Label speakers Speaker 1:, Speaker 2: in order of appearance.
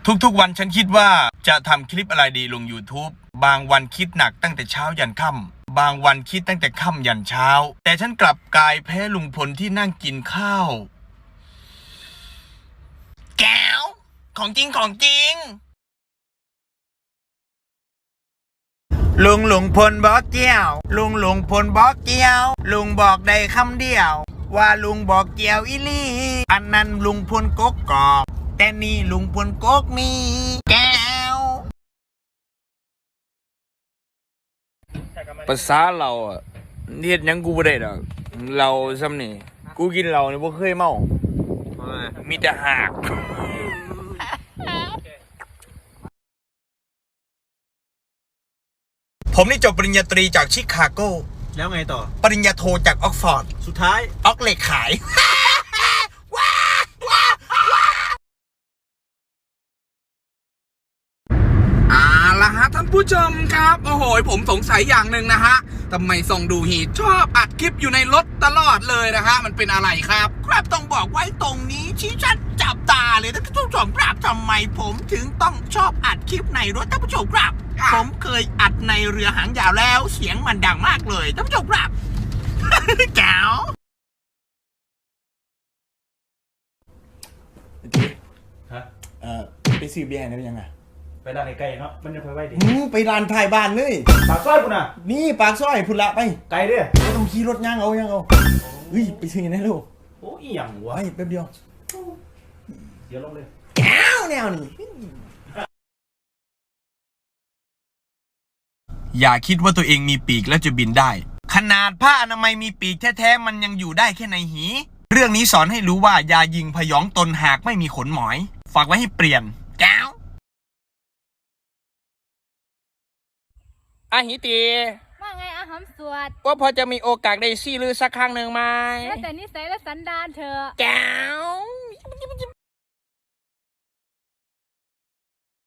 Speaker 1: ทุกๆวันฉันคิดว่าจะทำคลิปอะไรดีลง YouTube บางวันคิดหนักตั้งแต่เช้ายันค่ำบางวันคิดตั้งแต่ค่ำยันเช้าแต่ฉันกลับกลายแพ้ลุงพลที่นั่งกินข้าวแก้วของจริงลุงพลบอกเกี้ยวลุงพลบอกเกี้ยวลุงบอกได้คำเดียวว่าลุงบอกเกี้ยวอีลี่อันนั้นลุงพลกกอกแต่นี่ลุงพลกกมีแก้วภาษาเราอ่ะเฮ็ดหยังกูบ่ได้ดอกเราซ้ำนี่กูกินเหล้านี่บ่เคยเมามีแต่หากผมนี่จบปริญญาตรีจากชิคาโก
Speaker 2: แล้วไงต่อ
Speaker 1: ปริญญาโทจากออกฟอร์ด
Speaker 2: สุดท้าย
Speaker 1: ออกเหล็กขาย
Speaker 3: ละฮะท่านผู้ชมครับโอ้โหผมสงสัยอย่างหนึ่งนะฮะทำไมส่องดูฮีชอบอัดคลิปอยู่ในรถตลอดเลยนะฮะมันเป็นอะไรครับ
Speaker 1: ครับต้องบอกไว้ตรงนี้ชี้ชัดจับตาเลยท่านผู้ชมครับทำไมผมถึงต้องชอบอัดคลิปในรถท่านผู้ชมครับผมเคยอัดในเรือหางยาวแล้วเสียงมันดังมากเลยท่านผู้ชมครับ แก้วไปซื้อเบียร์ได้ยังไง
Speaker 2: ไปร้านไกลๆเนาะมันจะไปไว้ดิ
Speaker 1: ไปร้านถ่ายบ้านเลย
Speaker 2: ปากซอยคุณน่ะ
Speaker 1: นี่ปากซอยพุ่นละไป
Speaker 2: ไกลเด้อ
Speaker 1: ไม่ต้องขี่รถย่างเอาเฮ้ยไปซื้อได้ลูก
Speaker 2: โอ้ยอย่างวะ
Speaker 1: ไปแป๊บเดียว
Speaker 2: เดี๋ยวลงเลย
Speaker 1: แก้วแนวนี้อย่าคิดว่าตัวเองมีปีกแล้วจะบินได้ขนาดผ้าอนามัยมีปีกแท้ๆมันยังอยู่ได้แค่ในหีเรื่องนี้สอนให้รู้ว่าอย่ายิงพยองตนหากไม่มีขนหมอยฝากไว้ให้เปลี่ยนแก้วอาหิตี
Speaker 4: ว่าไงอาหำสวด
Speaker 1: ว่าพอจะมีโอกาสได้ซี่ลือสักครั้งหนึ่งไหม
Speaker 4: แล้วแต่นิสัยและสันดานเธอ
Speaker 1: แก้ว